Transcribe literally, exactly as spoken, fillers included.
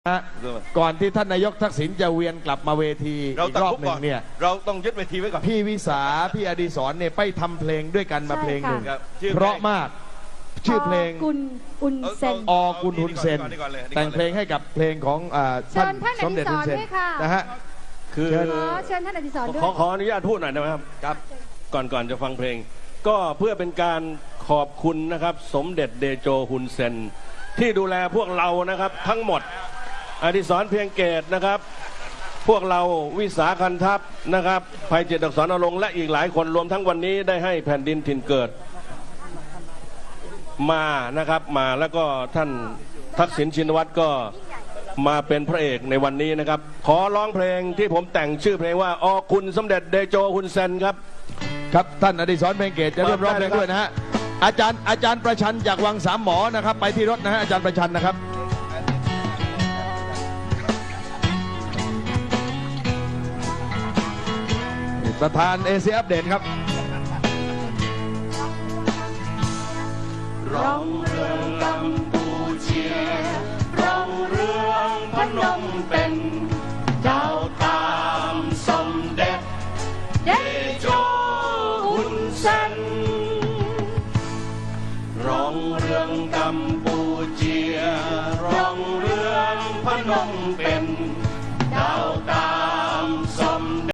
ก่อนที่ท่านนายกทักษิณจะเวียนกลับมาเวทีอีกรอบหนึ่งเนี่ยเราต้องยึดเวทีไว้ก่อนพี่วิสาพี่อดิศรเนี่ยไปทำเพลงด้วยกันมาเพลงหนึ่งเพราะมากชื่อเพลงกุลอุนเซนอกุลหุนเซนแต่งเพลงให้กับเพลงของท่านสมเด็จหุนเซนนะฮะคือเชิญท่านอดิศรด้วยขอขออนุญาตพูดหน่อยได้ไหมครับครับก่อนก่อนจะฟังเพลงก็เพื่อเป็นการขอบคุณนะครับสมเด็จเดโจฮุนเซนที่ดูแลพวกเรานะครับทั้งหมดอดิศรเพียงเกตนะครับพวกเราวิสาคันทัพนะครับภัยเจตอักษรอลงและอีกหลายคนรวมทั้งวันนี้ได้ให้แผ่นดินถิ่นเกิดมานะครับมาแล้วก็ท่านทักษิณชินวัตรก็มาเป็นพระเอกในวันนี้นะครับขอร้องเพลงที่ผมแต่งชื่อเพลงว่าอคุณสมเด็จเดโจฮุนเซนครับครับท่านอดิศรเพียงเกตจะเริ่มร้องเพลงด้วยนะฮะอาจารย์อาจารย์ประชันจากวังสามหมอนะครับไปที่รถนะฮะอาจารย์ประชันนะครับประธานเอเชียอัปเดตครับร้องเรื่องกัมพูเชียร้องเรื่องพนมเปญเจ้าตามสมเด็จเดโจฮุนเซนร้องเรื่องกัมพูเชียร้องเรื่องพนมเปญ